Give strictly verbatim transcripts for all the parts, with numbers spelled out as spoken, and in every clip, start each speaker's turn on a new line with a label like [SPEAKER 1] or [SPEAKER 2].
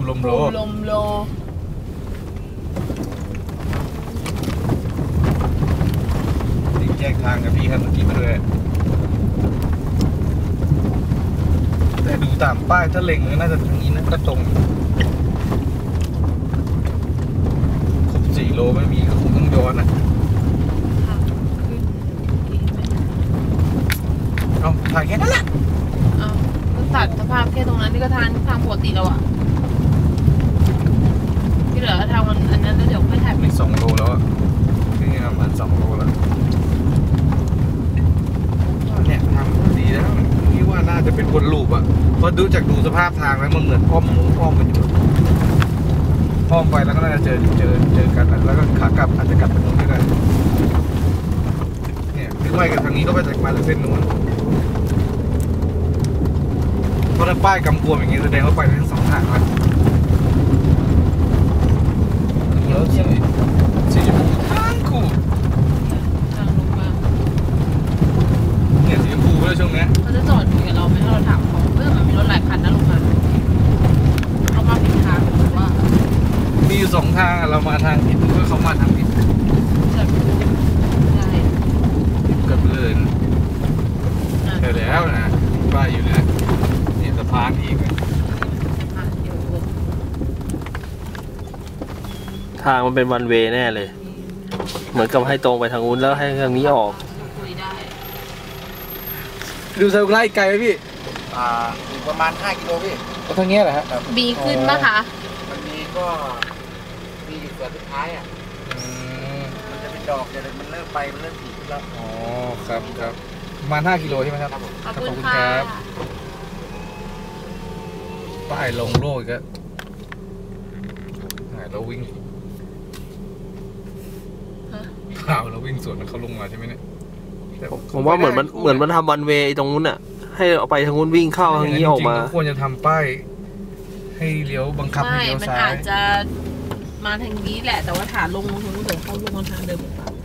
[SPEAKER 1] ลมโล
[SPEAKER 2] ลมโล
[SPEAKER 1] นี่แยกทางกับพี่คันเมื่อกี้มาเลยแต่ดูตามป้ายถ้าเล็งก็น่าจะทางนี้นะก็ตรงครบสี่โลไม่มีก็คงต้องย้อนอ่ะเอาถ่ายแค่นั้นแหละ
[SPEAKER 2] เอาตัดสภาพแค่ตรงนั้นนี่ก็ทางทางปกติแล้วอ่ะที่เหลือทางมันอันนั้นแล้วเดี๋ยวค่อยถ่าย
[SPEAKER 1] มีสองโลแล้วอ่ะนี่ประมาณสองโลแล้วเนี่ยทางดีแล้วพี่ว่าน่าจะเป็นวนลูปอ่ะเพราะดูจากดูสภาพทางแล้วมันเหมือนอ้อมอ้อมกันอยู่อ้อมไปแล้วก็น่าจะเจอเจอเจอกันแล้วก็ขากลับอาจจะกลับไปนู้นก็ได้เนี่ยถึงไปกันทางนี้ก็ไปจากมาจากเส้นนู้นเพราะถ้าป้ายกำกวมอย่างนี้แสดงว่าไปทั้งสองทางเลยแล้วสีสีชมพูทางคู่
[SPEAKER 2] ทางลงมา
[SPEAKER 1] เนี่ยสีชมพูเลยช่วงนี้
[SPEAKER 2] เขาจะจอดคุยกับเราไหมถ้าเราถามเขาเมื่อมันมีรถหลายคันนะลงมาเขามาผิดทางหรือว่า
[SPEAKER 1] มีอยู่สองทางเรามาทางผิดเพื่อเขามาทางผิด
[SPEAKER 2] ใช่
[SPEAKER 1] กับเลยใช่แล้วนะป้ายอยู่นะนี่สะพานอีก
[SPEAKER 3] ทางมันเป็นวันเวย์แน่เลยเหมือนกับให้ตรงไปทางนู้นแล้วให้ทางนี้ออก
[SPEAKER 1] ดูเซลล์ไล่ไกลไหมพี่
[SPEAKER 4] อ่าอีกประมาณห้ากิโลพี่
[SPEAKER 1] ก็ทางนี้แหละฮะ
[SPEAKER 2] บีขึ้นปะคะ
[SPEAKER 4] มันมีก็มีส่วนสุดท้ายอ่ะมันจะเป็นดอกแต่มันเริ่มไปมันเริ่มผีแล้ว
[SPEAKER 1] อ๋อครับครับประมาณห้ากิโลใช่ไหมครับ
[SPEAKER 2] ขอบคุณครับ
[SPEAKER 1] ป้ายลงโลกอีกแล้วเราวิ่งเปล่าเราวิ่งสวนเขาลงมาใช่ไหมเนี่ย
[SPEAKER 3] ผมว่าเหมือนมันเหมือนมันทำวันเวย์ตรงนู้นอ่ะให้เอาไปทางนู้นวิ่งเข้าทางนี้ออกมา
[SPEAKER 1] ควรจะทำป้ายให้เลี้ยวบังคับให้เลี้ยวซ้าย
[SPEAKER 2] มันอาจจะมาทางนี้แหละแต่ว่าฐานลงตรงนู้นเดี๋ยวเขาลงทางเดิมหรือเปล่า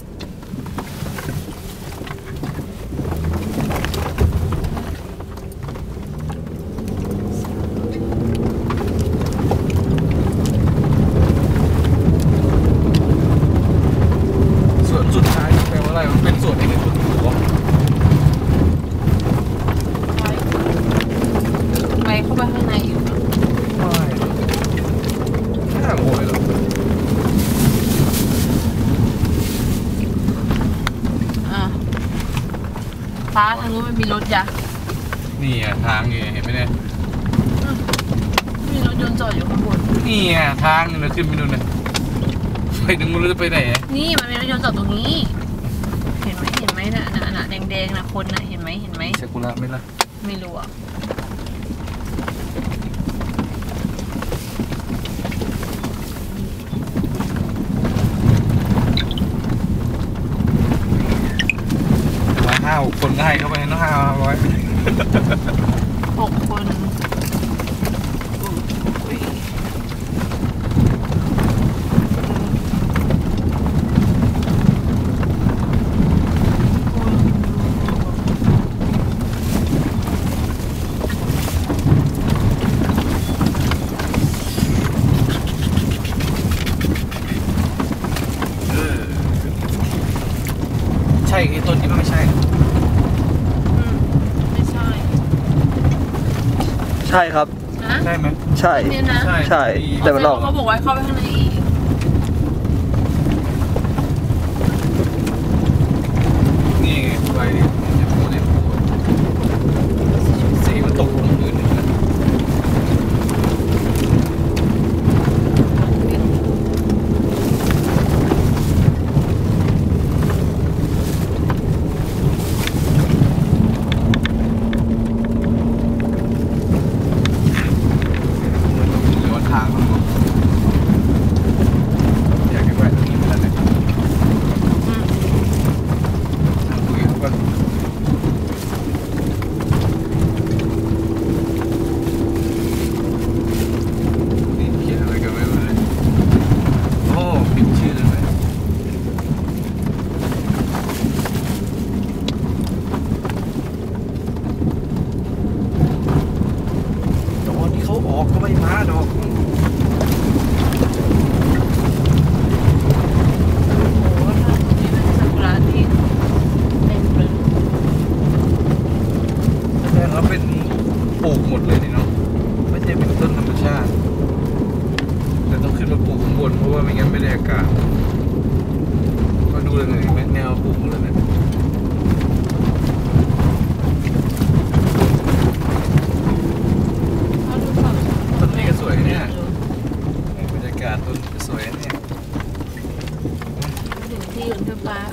[SPEAKER 1] สุดท้ายแปลว่าอะไรมันเป็นส่วนในส่วนหัว
[SPEAKER 2] ไปเข้าไปข้างในอยู่
[SPEAKER 1] ไม่น่าโวยหรอก
[SPEAKER 2] อ่ะฟ้าทางนู้นมันมีรถจ้ะ
[SPEAKER 1] นี่อ่ะทางนี่เห็นไหมเนี่ย
[SPEAKER 2] มีรถยนต์จอดอยู่ข้างบน
[SPEAKER 1] นี่อ่ะทางนี่เราขึ้นไปดูหน่อยไปถึงนู้นจะไปไหน
[SPEAKER 2] นี่มันมีรถยนต์จอดตรงนี้เห็นไหมเห็นไหมน่ะน่ะน่ะแดงๆน่ะคนน่ะเห็นไหมเห็นไหม
[SPEAKER 1] เซกุระไหมล่ะ
[SPEAKER 2] ไม่รู้อ่ะ
[SPEAKER 1] มาห้าหกคนได้เข้าไปน้องห้าร้อย
[SPEAKER 2] หกคน
[SPEAKER 1] ใช่ไอ้ต้นนี้มันไม่ใช่
[SPEAKER 2] ไม่ใช่
[SPEAKER 3] ใช่ครับ
[SPEAKER 1] ใช่ไหม
[SPEAKER 3] ใช่ใช่แต่มันออก
[SPEAKER 2] เขาบอกว่าเข้าไปข้างในอีก
[SPEAKER 1] นี่ไงไปดิจะพูดเนี่ยสีมันตกลงพื้นเลยนะออกก็ไม่มาดอก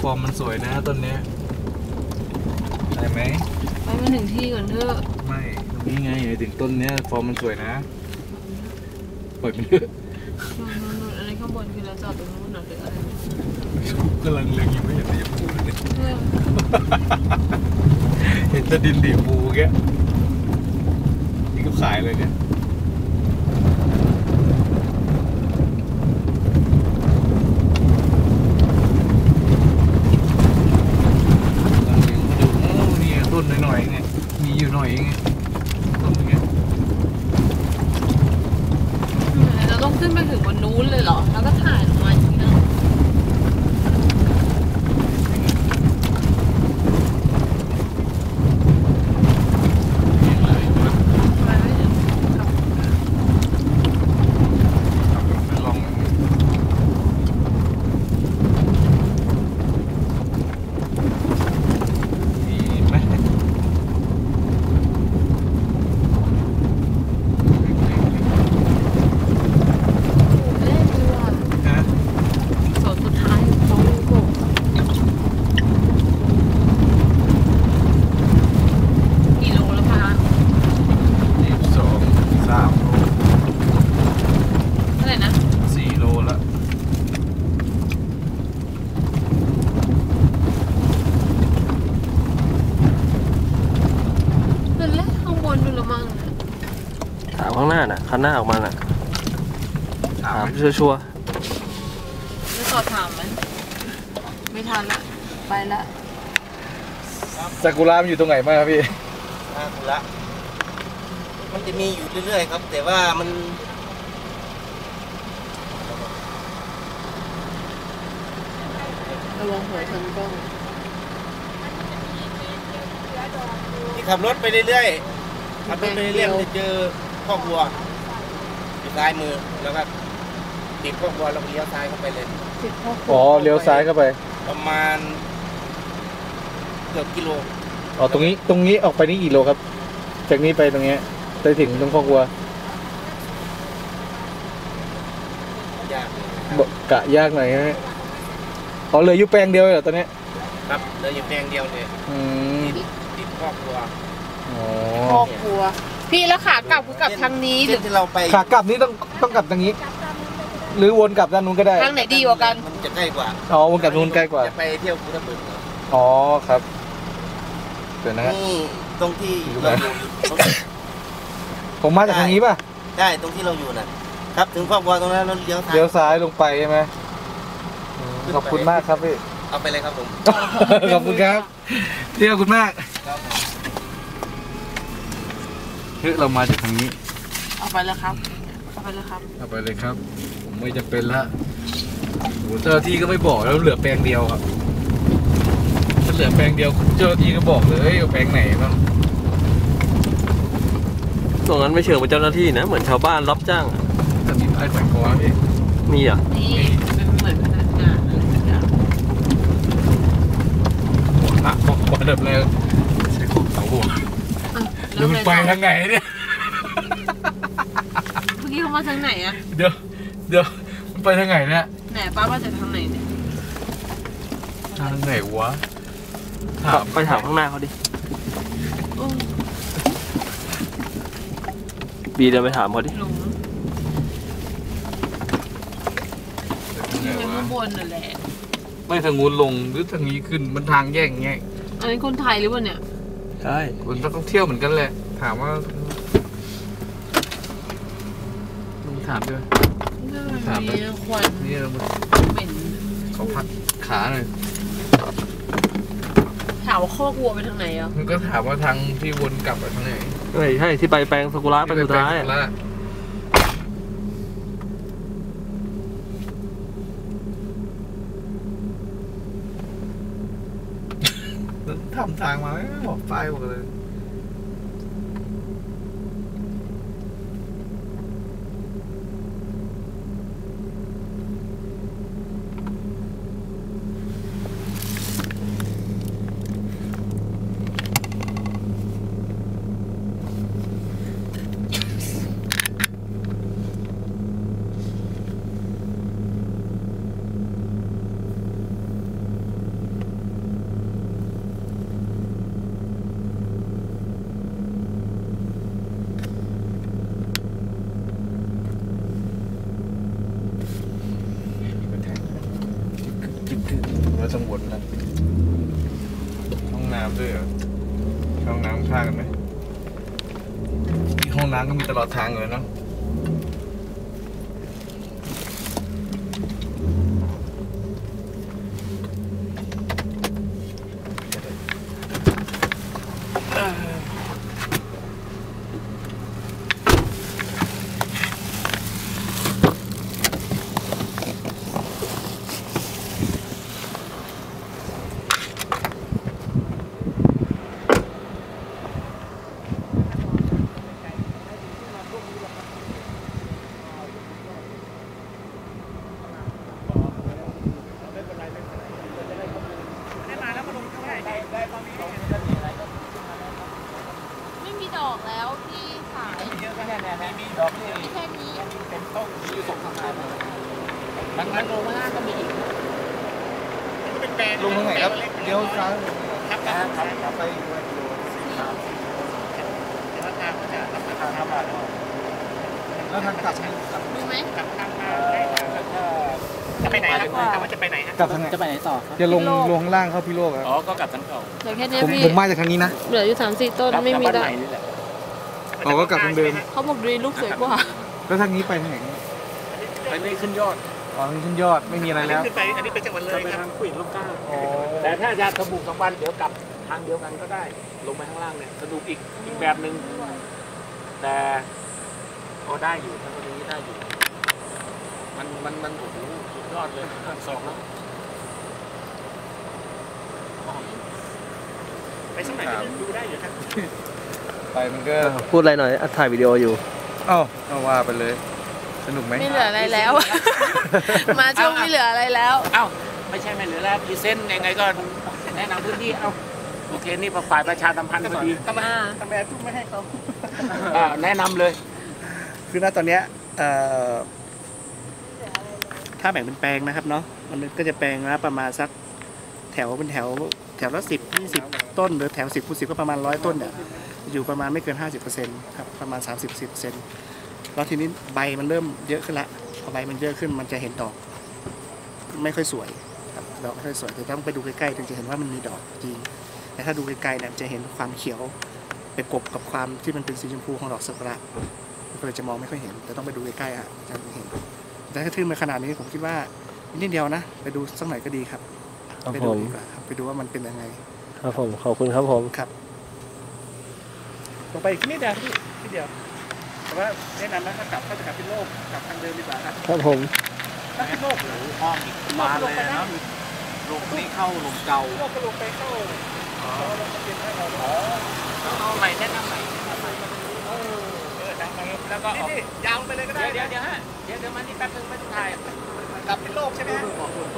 [SPEAKER 1] อร์มมันสวยนะต้นเนี้ยได้ไหม
[SPEAKER 2] ไปมาถึงที่ก่อนเถอะ
[SPEAKER 1] ไม่ตรงนี้ไงถึงต้นเนี้ยฟอร์มมันสวยนะปล่อยมันเถอะ
[SPEAKER 2] นู่นนู่นอะไรข้างบนคือเราจอดตรงนู้นหรืออะไร
[SPEAKER 1] กำลังเล็งอยู่ไม่เห็นจะพูดเลย
[SPEAKER 2] เรื่อง
[SPEAKER 1] เห็นแต่ดินดีบูแกนี่ก็ขายเลยเนี่ยต้นหน่อยๆไงมีอยู่หน่อยไงต้นเงี้ย
[SPEAKER 2] เราต้องขึ้นไปถึงบนนู้นเลยเหรอแล้วก็ถ่ายลงมาอย่างนี้เนาะไปไม่ถึงครับ
[SPEAKER 1] ลองดีไหม
[SPEAKER 2] เล่นดีว่ะ
[SPEAKER 1] ฮะ
[SPEAKER 2] โซนสุดท้ายของลูกโป่งกี่โลแล้วคะ
[SPEAKER 1] ยี่สิบสองสามโล
[SPEAKER 2] เท่าไหร่นะ
[SPEAKER 1] สี่โลละ
[SPEAKER 2] เดินเล่นข้างบนดูละมั้ง
[SPEAKER 3] ถามข้างหน้าน่ะคันหน้าออกมาน่ะ
[SPEAKER 1] ถา
[SPEAKER 3] ถาม
[SPEAKER 1] ม
[SPEAKER 3] ชัวร์
[SPEAKER 2] จะสอบถามไหมไม่ทันละไปละ
[SPEAKER 1] ซากุระมันอยู่ตรงไหนบ้างครับพี่
[SPEAKER 4] อ่าถูกละมันจะมีอยู่เรื่อยๆครับ แต่ว่ามัน
[SPEAKER 2] ระวังหัวชนกล้อง
[SPEAKER 4] ที่ขับรถไปเรื่อยๆขับรถไปเรื่อยๆมันจะเจอคอกวัวอยู่ซ้ายมือแล้วก็ติดคอกวัวแล้วก็เลี้ยวซ้ายเข้าไปเลย
[SPEAKER 2] สิบพ่อ
[SPEAKER 1] อ๋อเลี้ยวซ้ายเข้าไป
[SPEAKER 4] ประมาณเกือบกิโล
[SPEAKER 1] อ๋อตรงนี้ตรงนี้ออกไปนี่กี่โลครับ จากนี้ไปตรงเนี้ยไปถึงตรงคอกวัวย
[SPEAKER 4] าก
[SPEAKER 1] บกะยากหน่อยนะฮะอ๋อเหลยอยู่แปลงเดียวเลยเหรอตอนเนี้ย
[SPEAKER 4] ครับเดินอยู่แปลงเดียวเลย
[SPEAKER 1] อืม
[SPEAKER 4] ติดติดคอกวัว
[SPEAKER 1] อ๋อ
[SPEAKER 2] ครอบครัว พี่แล้วขากลับคือกลับทางนี้หรื
[SPEAKER 4] เส้
[SPEAKER 2] อน
[SPEAKER 4] ที่เราไป
[SPEAKER 1] ขากลับนี่ต้องต้องกลับทางนี้ หรือวนกลับด้านนู้นก็ได้
[SPEAKER 2] ทางไหนดีกว่ากัน
[SPEAKER 4] มันจะใกล้กว่า
[SPEAKER 1] อ๋อวนกลับนู้นใกล้กว่า
[SPEAKER 4] จะไปเที่ยวภูทับเบิกเหรอ
[SPEAKER 1] อ๋อครับเดี๋ยวนะฮะ
[SPEAKER 4] นี่ตรงที่
[SPEAKER 1] อยู่
[SPEAKER 4] เรา
[SPEAKER 1] ไหน
[SPEAKER 4] อยู่ตรง
[SPEAKER 1] ผมมาจากทางนี้ป่ะ
[SPEAKER 4] ใช่ตรงที่เราอยู่น่ะ ครับถึงคอกวัวตรงนั้นเราเลี้ยวซ้าย
[SPEAKER 1] เลี้ยวซ้ายลงไปใช่ไหมอืมขอบคุณมากครับพี่
[SPEAKER 4] เอาไปเลยครับผม
[SPEAKER 1] ขอบคุณครับพี่ขอบคุณมาก
[SPEAKER 4] ครับผม
[SPEAKER 1] เฮ้ยเรามาจากทางนี้
[SPEAKER 2] เอาไปแล้วครับเอาไปแล้วครับ
[SPEAKER 1] เอาไปเลยครับ ผมไม่จำเป็นละโอ้เจ้าหน้าที่ก็ไม่บอกแล้วเหลือแปลงเดียวครับถ้าเหลือแปลงเดียวเจ้าหน้าที่ก็บอกเลยเอาแปลงไหนบ้าง
[SPEAKER 3] ๆตรงนั้นไม่เชิงเป็นเจ้าหน้าที่นะ เหมือนชาวบ้านรับจ้างอะ
[SPEAKER 1] แต่มีป้ายแขวนคอพี่
[SPEAKER 3] มีเหรอ่ะ
[SPEAKER 2] นี่เป็นเหมือนพนักงานอะไรสักอย่าง
[SPEAKER 1] หัวหนักบอกว่าเดิมเลยใช้ของเสาหัว
[SPEAKER 2] อ่ะ
[SPEAKER 1] เดี๋ยวมันไปทางไหนเนี่ย
[SPEAKER 2] เมื่อกี้เขามาทางไหนอะ
[SPEAKER 1] เดี๋ยวเดี๋ยวมันไปทางไหนเนี่ย
[SPEAKER 2] ไหนป้ามาจากทางไหนเนี่ย
[SPEAKER 1] ทางไหนวะ
[SPEAKER 3] ไปถามข้างหน้าเขาดิ
[SPEAKER 2] โอ้
[SPEAKER 3] บีเดินไปถามเขาดิ
[SPEAKER 2] หลงที่ไปข้างบนน่ะแหละ
[SPEAKER 1] ไม่ทางงูนลงหรือทางนี้ขึ้นมันทางแยกอย่างเงี้ย
[SPEAKER 2] อันนี้คนไทยหรือเปล่าเนี่ย
[SPEAKER 3] ใช่
[SPEAKER 1] คนต้องเที่ยวเหมือนกันแหละ ถามว่ามึงถามด้วย ถามไป
[SPEAKER 2] มีควัน
[SPEAKER 1] นี่เรา
[SPEAKER 2] เหม็น
[SPEAKER 1] เขาพักขาหน่อย
[SPEAKER 2] ถามว่าคอกวัวไปทางไหนอ่ะ
[SPEAKER 1] มันก็ถามว่าทางที่วนกลับไปทางไหน
[SPEAKER 3] ใช่ใช่ที่ไปแปลงซากุระไปสุดท้ายอะ
[SPEAKER 1] แล้วทำทางมาไม่บอกป้ายบอกเลยต้องวนแล้วห้องน้ำด้วยเหรอห้องน้ำข้างกันไหมห้องน้ำก็มีตลอดทางเลยเนาะ
[SPEAKER 2] ไม่มีดอกแล้วที่ขาย
[SPEAKER 4] เยอะแค่ไหนนะมีดอกที่
[SPEAKER 2] มีแค่นี้
[SPEAKER 4] เป็นต้นอยู่สองสามพัน
[SPEAKER 2] มันมันลงมาล่างก็มีอีก
[SPEAKER 4] เป็นแปลง
[SPEAKER 1] ลงตรงไหนครับเลี้ยวซ้าย
[SPEAKER 4] ครับครับครับไปด้วยกิโลแต่ว่าทางมันจะทำทางห้าบาท
[SPEAKER 1] แล้วทางกลับ
[SPEAKER 2] ดูไหม
[SPEAKER 4] กลับทางมาได้จะไปไหนครับว่าจะไปไหนฮะ
[SPEAKER 1] กลับทางไหน
[SPEAKER 5] จะไปไหนต่อครับ
[SPEAKER 1] จะลงลงข้างล่างเข้าพี่โลกครับ
[SPEAKER 4] อ๋อก็กลับทางเก่า
[SPEAKER 2] เหลือแค่นี้
[SPEAKER 1] ผม
[SPEAKER 2] พี่
[SPEAKER 1] ผมมาจากทางนี้นะ
[SPEAKER 2] เหลืออยู่สามสี่ต้นไม่มีดอก
[SPEAKER 1] อ๋อก็กลับทางเดิม
[SPEAKER 2] เขาบอกดูลูกสวยกว่า
[SPEAKER 1] แล้วทางนี้ไปทางไหน
[SPEAKER 4] ไปไม่ขึ้นยอด
[SPEAKER 1] อ๋อทางขึ้นยอดไม่มีอะไรแล้ว
[SPEAKER 4] ขึ้นไปอันนี้เป็นจังหวัดเลย
[SPEAKER 5] ไป
[SPEAKER 4] ครั
[SPEAKER 5] ทา
[SPEAKER 4] บ
[SPEAKER 5] งขุยลูกก้า
[SPEAKER 1] อ๋อ
[SPEAKER 5] แต่ถ้าจะสบุกสองวันเดี๋ยวกลับทางเดียวกันก็ได้ ลงไปข้างล่างเนี่ยสนุกอีกอีกแบบหนึ่งแต่ก็ได้อยู่ทางตรงนี้ได้อยู่ มันมันมันโอ้โหสุดยอดเลยทางสองแล้ว
[SPEAKER 4] ไปสมัยดูได้อยู่ครับ
[SPEAKER 1] ไปมันก็
[SPEAKER 3] พูดอะไรหน่อยอัดถ่ายวิดีโออยู่
[SPEAKER 1] เอ้าเอาว่าไปเลย สนุกไหม
[SPEAKER 2] ไม่เหลืออะไรแล้ว มาช่วงไม่เหลืออะไรแล้ว
[SPEAKER 5] เอ้าไม่ใช่ไม่เหลือแล้วพรีเซนต์ยังไงก็แนะนำพื้นที่เอ้าโอเคนี่ฝ่ายประชาสัมพันธ์พอดี
[SPEAKER 4] ทำไมทำไมทุ่มไม่ให้เขา
[SPEAKER 5] อ่าแนะนำเลย
[SPEAKER 4] คือณตอนเนี้ยถ้าแบ่งเป็นแปลงนะครับเนาะมันก็จะแปลงละประมาณสักแถวเป็นแถวแถวละสิบยี่สิบต้นหรือแถวสิบคูณสิบก็ประมาณร้อยต้นเนี่ยอยู่ประมาณไม่เกินห้าสิบเปอร์เซ็นต์ครับประมาณสามสิบสิบเปอร์เซ็นต์แล้วทีนี้ใบมันเริ่มเยอะขึ้นละพอใบมันเยอะขึ้นมันจะเห็นดอกไม่ค่อยสวยครับดอกไม่ค่อยสวยแต่ต้องไปดูใกล้ๆถึงจะเห็นว่ามันมีดอกจริงแต่ถ้าดูไกลๆเนี่ยจะเห็นความเขียวไปกบกับความที่มันเป็นสีชมพูของดอกซากุระก็เลยจะมองไม่ค่อยเห็นแต่ต้องไปดูใกล้ๆอ่ะจะเห็นแต่ถ้าขึ้นมาขนาดนี้ผมคิดว่านิดเดียวนะไปดูสักหน่อยก็ดีครับ
[SPEAKER 3] ครับ
[SPEAKER 4] ไป
[SPEAKER 3] ผ
[SPEAKER 4] ดู
[SPEAKER 3] ม
[SPEAKER 4] ดีกว่าครับไปดูว่ามันเป็นยังไง
[SPEAKER 3] ครับผมขอบคุณครับผม
[SPEAKER 4] ครับลงไปอีกนิดเดียวพี่นิดเดียวแต่ว่าแนะนำนะถ้ากลับก็จะกลับเป็นโลกกลับทางเดิมดีกว่าครับ
[SPEAKER 3] ครับผม
[SPEAKER 4] ถ้าเป็นโลกหรือ
[SPEAKER 5] ห้องอีกมาเลยนะลงนี่เข้าลงเก่า
[SPEAKER 4] โลกก็ลงไปเข้าเราลงทะเบียนให้เราอ๋อ
[SPEAKER 5] เอาใหม่แนะนำใหม่
[SPEAKER 4] เออดังไปแล้วก็นี่ยาวไปเลยก็ได้
[SPEAKER 5] เดี๋ยวเดี๋ยวฮะเดี๋ยวเดี๋ยวมานี่แป๊บนึงไม่ต้องถ่าย
[SPEAKER 4] กลับเป็นโลกใช่ไหมฮะ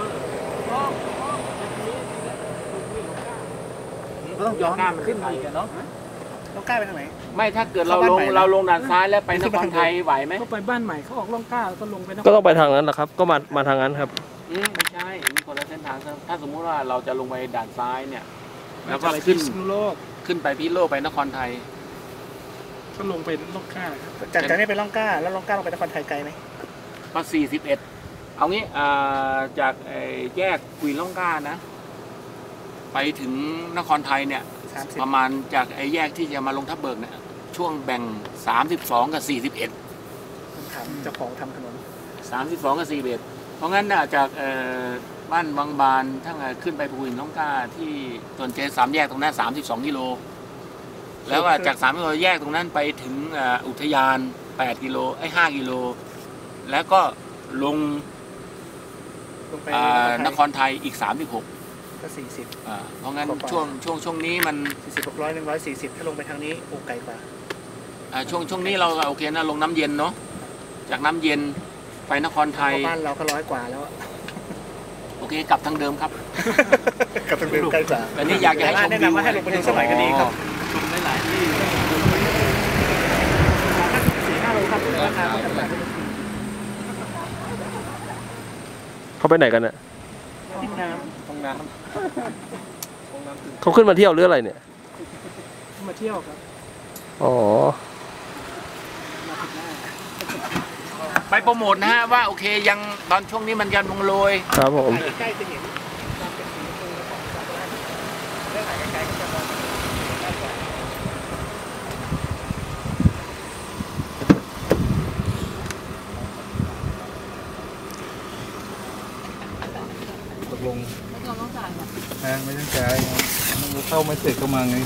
[SPEAKER 5] ก็ต้องย้อนมันขึ้นมาอีกเนาะ
[SPEAKER 4] ต้องกล้าไปทางไหน
[SPEAKER 5] ไม่ถ้าเกิดเราลงเราลงด่านซ้ายแล้วไปนครไทยไหวไหม
[SPEAKER 6] ก็ไปบ้านใหม่เขาออกล่องกล้าแล้วก็ลงไปนคร
[SPEAKER 3] ก็ต้องไปทางนั้นแหละครับ ก็มามาทางนั้นครับ
[SPEAKER 5] อืมไม่ใช่มีคนละเส้นทางถ้าสมมุติว่าเราจะลงไปด่านซ้ายเนี่ย แล้วก็
[SPEAKER 6] ไป
[SPEAKER 5] ขึ้น
[SPEAKER 6] พิษณุโลก
[SPEAKER 5] ขึ้นไปพิษณุโลกไปนครไทย
[SPEAKER 6] ก็ลงไปล่องกล้าครับ
[SPEAKER 4] จากจากนี้ไปล่องกล้าแล้วล่องกล้าลงไปนครไทยไกลไหม
[SPEAKER 5] ก็สี่สิบเอ็ดเอางี้อ่าจากไอ้แยกกุยล่องกล้านะ ไปถึงนครไทยเนี่ย
[SPEAKER 4] สามสิบ
[SPEAKER 5] ประมาณจากไอ้แยกที่จะมาลงทับเบิกเนี่ยช่วงแบ่งสามสิบสองกับสี่สิบเอ็ด
[SPEAKER 4] ผมถามเจ้าของทำถนน
[SPEAKER 5] สามสิบสองกับสี่สิบเอ็ดเพราะงั้นน่ะจากเอ่อบ้านวังบานทั้งเอ่อขึ้นไปภูหินล่องกล้าที่ตวนเจสามแยกตรงนั้นสามสิบสองกิโลแล้วก็จากสามกิโลแยกตรงนั้นไปถึงเอ่ออุทยานแปดกิโลไอ้ห้ากิโลแล้วก็ลง
[SPEAKER 4] ลงไป
[SPEAKER 5] อ่านครไทยอีกสามสิบหก
[SPEAKER 4] ก็สี่สิบ
[SPEAKER 5] อ่าเพราะงั้น
[SPEAKER 4] กว่าๆ
[SPEAKER 5] ช่วงช่วงช่วงนี้มัน
[SPEAKER 4] สี่สิบหกร้อยหนึ่งร้อยสี่สิบถ้าลงไปทางนี้โอ้ไกลกว่า
[SPEAKER 5] อ่าช่วงช่วงนี้เราโอเคนะลงน้ำเย็นเนาะจากน้ำเย็นไปนครไทย
[SPEAKER 4] เพราะบ้านเราก็ร้อยกว่าแล้วอะ
[SPEAKER 5] โอเคกลับทางเดิมครับ
[SPEAKER 4] กับทางเดิมใกล้กว่า
[SPEAKER 5] แต่นี่อยากจะให้ชม
[SPEAKER 4] แนะนำว่าให้ลงไปดูสักหน่อยก็ดีครับ
[SPEAKER 5] ชมหลายๆที่
[SPEAKER 4] สี่ห้าโลครับราคาไม่จำกัด
[SPEAKER 3] เขาไปไหนกันเนี่ย
[SPEAKER 4] ห้องน้ำห้องน้
[SPEAKER 3] เขาขึ้นมาเที่ยวหรืออะไรเนี่ย
[SPEAKER 6] มาเที่ยวครับ
[SPEAKER 3] อ๋อ
[SPEAKER 5] ไปโปรโมทนะฮะว่าโอเคยังตอนช่วงนี้มันยังลงโรย
[SPEAKER 3] ครับผม
[SPEAKER 4] ำใกล้จะเห็น
[SPEAKER 1] กลง
[SPEAKER 2] แล้วเราต้องจ่ายแบบ
[SPEAKER 1] นะไม่ต้องจ่ายเราเข้าไม่เสร็จก็มาไง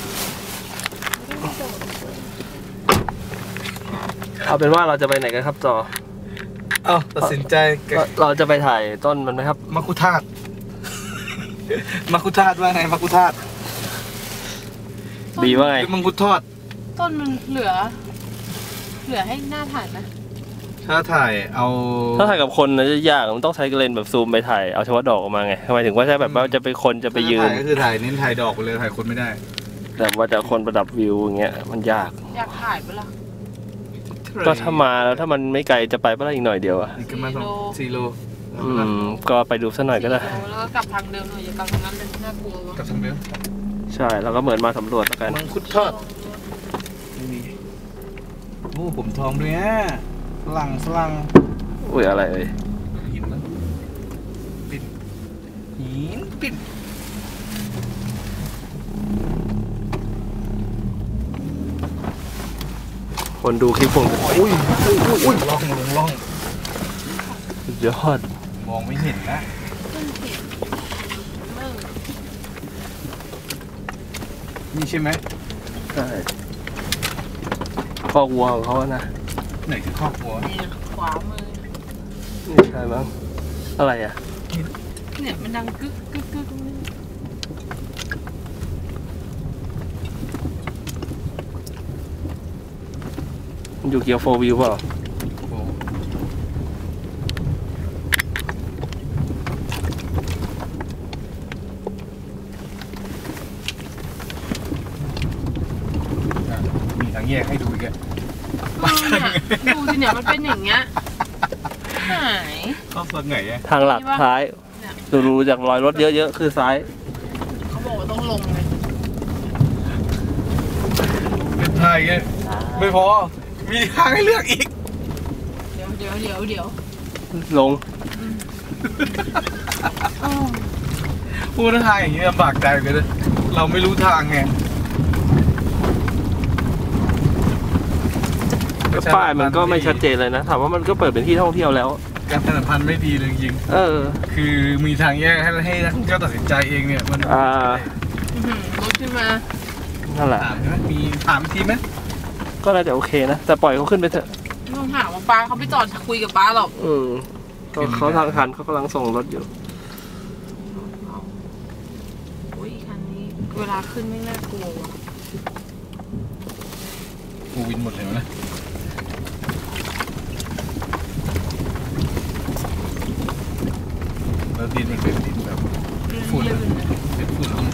[SPEAKER 3] เอาเป็นว่าเราจะไปไหนกันครับจอ
[SPEAKER 1] เอ้าตัดสินใจ
[SPEAKER 3] เราเราจะไปถ่ายต้นมันไหมครับ
[SPEAKER 1] มักคุธาตุ มักคุธาตุว่าไงมักคุธาตุ
[SPEAKER 3] ดีว่าไง
[SPEAKER 1] มังคุดทอด
[SPEAKER 2] ต้นมันเหลือ เหลือให้หน้าถ่ายไหม
[SPEAKER 1] ถ้าถ่ายเอา
[SPEAKER 3] ถ้าถ่ายกับคนนะจะยากมันต้องใช้เลนส์แบบซูมไปถ่ายเอาเฉพาะดอกออกมาไงทำไมถึงว่าใช่แบบว่าจะไปคนจะไปยืน
[SPEAKER 1] ถ่ายก็คือถ่ายเน้นถ่ายดอกไปเลยถ่ายคนไม่ได้
[SPEAKER 3] แต่ว่าจะคนประดับวิวอย่างเงี้ยมันยาก
[SPEAKER 2] อยากถ่ายปะล่ะ
[SPEAKER 3] ก็ถ้ามาแล้วถ้ามันไม่ไกลจะไปเมื่อไรอีกหน่อยเดียวอะ
[SPEAKER 1] นี่ก็มาสองสี่โล
[SPEAKER 3] อืมก็ไปดูสักหน่อยก็ได้
[SPEAKER 2] แล้วก็กลับทางเดิมหน่อยอย่ากลับทางนั้นเลยน่ากลัววะ
[SPEAKER 1] กับทางเดิม
[SPEAKER 3] ใช่แล้วก็เหมือนมาสำรวจแล้วกัน
[SPEAKER 1] มังคุดทอดนี่โอ้ผมทองด้วยฮะฝรั่งฝรั่ง
[SPEAKER 3] อุ้ยอะไรเอ่ย
[SPEAKER 1] หินนะปิ่นหินปิ่น
[SPEAKER 3] คนดูคลิปผมอุ้ย
[SPEAKER 1] อุ้ยล่องลงล่อง
[SPEAKER 3] สุดยอด
[SPEAKER 1] มองไม่เห็นนะ
[SPEAKER 2] ขึ้นเห็นเมื่อ
[SPEAKER 1] นี่ใช่ไหม
[SPEAKER 3] ใช่คอกวัวของเขาอะนะ
[SPEAKER 1] ไหนคือครอบครัว
[SPEAKER 2] นี่ขวามือ
[SPEAKER 3] นี่ใช่มั้งอะไรอ่ะ
[SPEAKER 2] เนี่ยมันดังกึกกึกกึก
[SPEAKER 3] มันอยู่เกียวโฟวิวเปล่า
[SPEAKER 1] โอ้อ่ะมีทางแยกให้ดูอีกอะ
[SPEAKER 2] เออเนี่ยดูสิเนี่ยมันเป็นอย่างเงี้ยหาย
[SPEAKER 1] เข้าส่วนไหนอะ
[SPEAKER 3] ทางหลักซ้ายดูดูจากรอยรถเยอะๆคือซ้าย
[SPEAKER 2] เขาบอกว่าต้องลงเลย
[SPEAKER 1] เป็นไทยไงไม่พอ มีทางให้เลือกอีก
[SPEAKER 2] เดี๋ยวเดี๋ยวเดี๋ยวเดี๋ยว
[SPEAKER 3] ลง
[SPEAKER 2] อ้าว
[SPEAKER 1] พูดทางอย่างนี้ลำบากใจเลยนะเราไม่รู้ทางไง
[SPEAKER 3] ป้ายมันก็ไม่ชัดเจนเลยนะถามว่ามันก็เปิดเป็นที่ท่องเที่ยวแล้ว
[SPEAKER 1] การถนนพันไม่ดีเลยจริง
[SPEAKER 3] เออ
[SPEAKER 1] ๆคือมีทางแยกให้ให้นักท่องเที่ยวตัดสินใจเองเนี่ยมัน
[SPEAKER 3] อ่า
[SPEAKER 2] อื้อหือรถขึ้นมา
[SPEAKER 3] นั่นแหละ
[SPEAKER 1] ถามใช่ไหมมีถามอีกทีไหม
[SPEAKER 3] ก็น่าจะโอเคนะ แต่ปล่อยเขาขึ้นไปเถอะ
[SPEAKER 2] ไม่ต้องถามว่าป้าเขาไม่จอดคุยกับป้าหรอก
[SPEAKER 3] อืมก็เขาทางคันเขากำลังส่งรถอยู่
[SPEAKER 2] อุ้ยคันนี้เวลาขึ้นไม่น่ากลัวว่ะ
[SPEAKER 1] กูวินหมดเลยนะแล้วดินมันเป็นดินแบบ ฝุ่น
[SPEAKER 2] ลื่นๆนะ
[SPEAKER 1] เป็นฝุ่นลง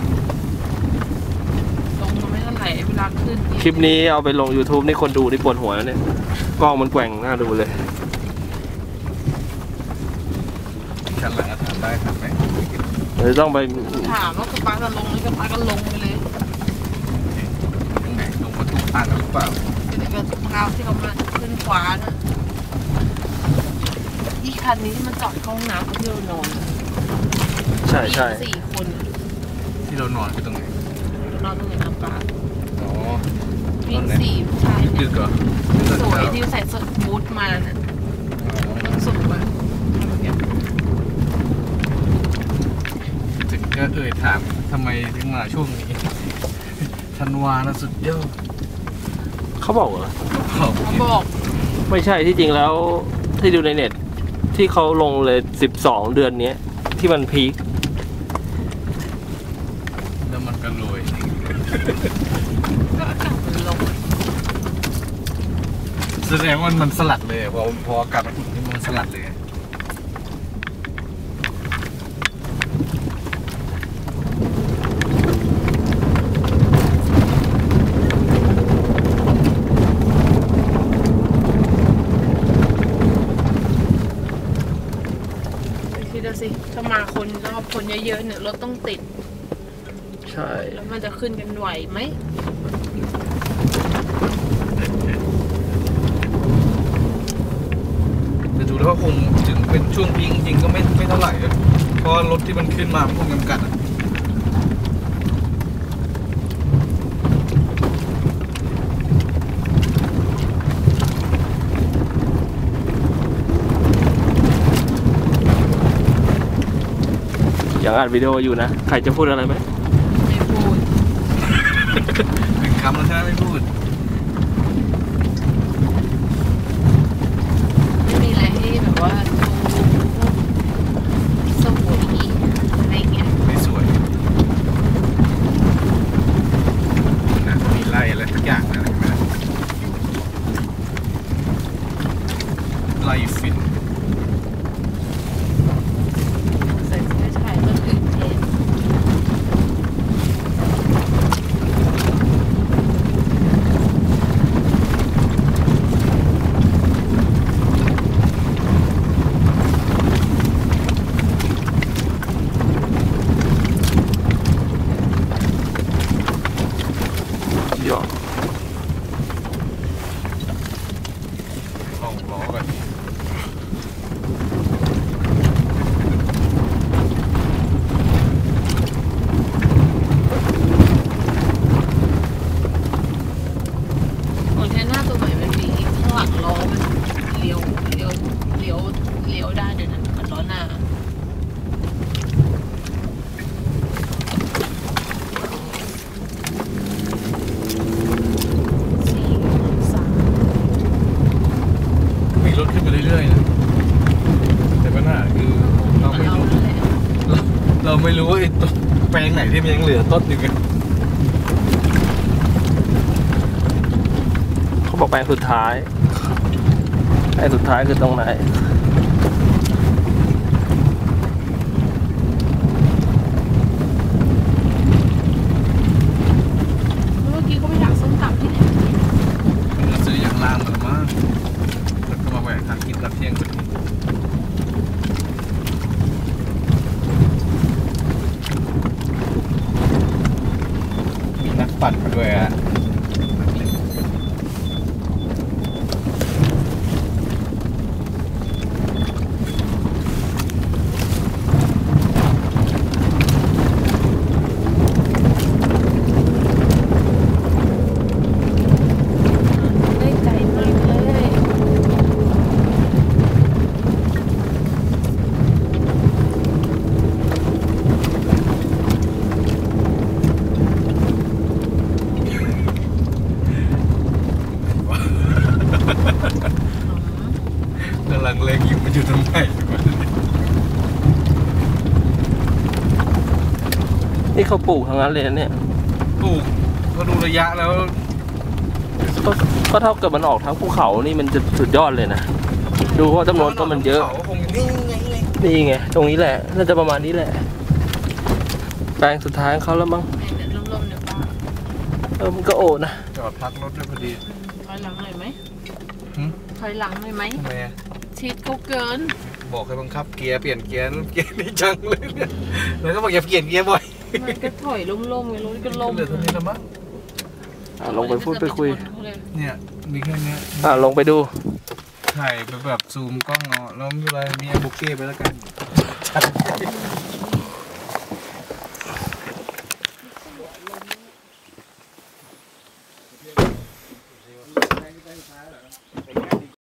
[SPEAKER 2] ลงมาไม่เท่าไหร่เวลาขึ้น
[SPEAKER 3] คลิปนี้เอาไปลง YouTube นี่คนดูนี่ปวดหัวแล้วเนี่ยกล้องมันแกว่งน่าดูเลย
[SPEAKER 1] คันหลังอะถามได้ถามไหม
[SPEAKER 3] เดี๋ยวต้องไป
[SPEAKER 2] ถามว่ากับป้าจะลงหรือกับป้าก็ลงไปเลย
[SPEAKER 1] ไหนลงมาถูกทางกันหรือเปล่า
[SPEAKER 2] เดี๋ยวกับเท้าที่เขามาขึ้นขวานะอีคันนี้ที่มันจอดเข้าห้องน้ำที่เรานอน
[SPEAKER 3] ใช่ใช่
[SPEAKER 2] สี่คน
[SPEAKER 1] ที่เรานอนคือตรงไหน
[SPEAKER 2] เรานอนตรงไหนน้ำปลา
[SPEAKER 1] อ๋อ
[SPEAKER 2] วิ่งสี่ผู้ชาย
[SPEAKER 1] ดึ
[SPEAKER 2] เนี่ย
[SPEAKER 1] กเหรอ
[SPEAKER 2] สวยที่ใส่เสื้อบูทมาน่ะสุดแบบ
[SPEAKER 1] ถึงก็เอ่ยถามทำไมถึงมาช่วงนี้ธันวานะสุดยอด
[SPEAKER 3] เขาบอกเหรอ
[SPEAKER 1] เขา
[SPEAKER 2] เขาบอก
[SPEAKER 3] ไม่ใช่ที่จริงแล้วที่ดูในเน็ต ที่เขาลงเลยสิบสองเดือนเนี้ย ที่มันพีค
[SPEAKER 1] แล้วมันก็โรย
[SPEAKER 2] ก็อากาศมันลง
[SPEAKER 1] แสดงว่ามันสลัดเลยพอพออากาศมันอุ่นนี่มันสลัดเลย
[SPEAKER 2] คิดดูสิถ้ามาคนรอบคนเยอะๆเนี่ยรถต้องติด
[SPEAKER 3] ใช่
[SPEAKER 2] แล้วมันจะขึ้นกันไหวไหม
[SPEAKER 1] แต่ดูแล้วก็คงถึงเป็นช่วงพีคจริงๆก็ไม่ไม่เท่าไหร่อะเพราะรถที่มันขึ้นมามันคงจำกัดอะ
[SPEAKER 3] ยังอัดวิดีโออยู่นะ ใครจะพูดอะไรไหม
[SPEAKER 2] ไม่พูด
[SPEAKER 1] หนึ่งคำแล้วใช่ไหมไม่พูด
[SPEAKER 2] ไม่มีอะไรให้แบบว่าสวยอะไรเงี้ย
[SPEAKER 1] ไม่สวยนะมีไล่อะไรทุกอย่างนะเห็นไหมไล่ฟิน
[SPEAKER 2] ใส่เสื้อชายก็ตื่นเต้น
[SPEAKER 3] ยอด
[SPEAKER 1] ลองล้อกัน
[SPEAKER 2] ของแทนหน้าตัวใหม่มันมีข้างหลังล้อมันเลี้ยวเลี้ยวเลี้ยวเลี้ยวได้ด้วยนะมันล้อหน้าสี่สาม
[SPEAKER 1] มีรถขึ้นไปเรื่อยๆนะแต่ปัญหาคือเราไม่
[SPEAKER 2] เรา
[SPEAKER 1] รู้
[SPEAKER 2] นั่นแหละ
[SPEAKER 1] เราเราไม่รู้ว่าไอ้ต้นแปลงไหนที่มันยังเหลือต้นอยู่กัน
[SPEAKER 3] เขาบอกแปลงสุดท้ายแปลงสุดท้ายคือตรงไหน
[SPEAKER 2] เมื่อกี้เขาไปดักส้มตำที่ไหน
[SPEAKER 1] เราซื้ออย่างล่างมาแล้วมั้งแล้วก็มาแหวกทางกินรับเที่ยงพอดีมีนักปั่นมาด้วยอ่ะ
[SPEAKER 2] ได้ใจมากเลย
[SPEAKER 1] กำลังเล็งอยู่มันอยู่ตรงไหนวะ
[SPEAKER 3] นี่เขาปลูกทั้งนั้นเลยนะเนี่ย
[SPEAKER 1] ถูกก็ดูระยะแล้ว
[SPEAKER 3] ก็ก็เท่ากับมันออกทั้งภูเขานี่มันจะสุดยอดเลยนะ ดูว่าจำนวนต้นมันเยอะ
[SPEAKER 1] ขาคงนี่ไงเลย
[SPEAKER 3] นี่ไง ตรงนี้แหละ น่าจะประมาณนี้แหละ แปลงสุดท้ายของเขาแล้วมั้ง
[SPEAKER 2] แม่เดินร่มๆเดี๋ยวป้า
[SPEAKER 3] เออ มันก็โอนะ
[SPEAKER 1] จอดพักรถด้วยพอดี
[SPEAKER 2] ถอยหลังหน่อยไหม
[SPEAKER 1] หึ
[SPEAKER 2] ถอยหลังหน่อยไหม
[SPEAKER 1] ทำไมอะ
[SPEAKER 2] ชิดเขาเกิน
[SPEAKER 1] บอกให้บังคับเกียร์เปลี่ยนเกียร์นั่นเกียร์นี่จังเลยเนี่ยแล้วก็บอกอย่าเปลี่ยนเกียร์บ่อย
[SPEAKER 2] มันก็ถอยล่มๆไงรถก็ล่ม
[SPEAKER 1] เหลือเท่านี้แล้วมั้ง
[SPEAKER 3] อ่ะลงไปพูดไปคุย
[SPEAKER 1] เนี่ยมีแค่เนี้ย
[SPEAKER 3] อ่ะลงไปดู
[SPEAKER 1] ถ่ายไปแบบซูมกล้องเอาแล้วไม่เป็นไรมีไอ้บุกเก้ไปแล้วกัน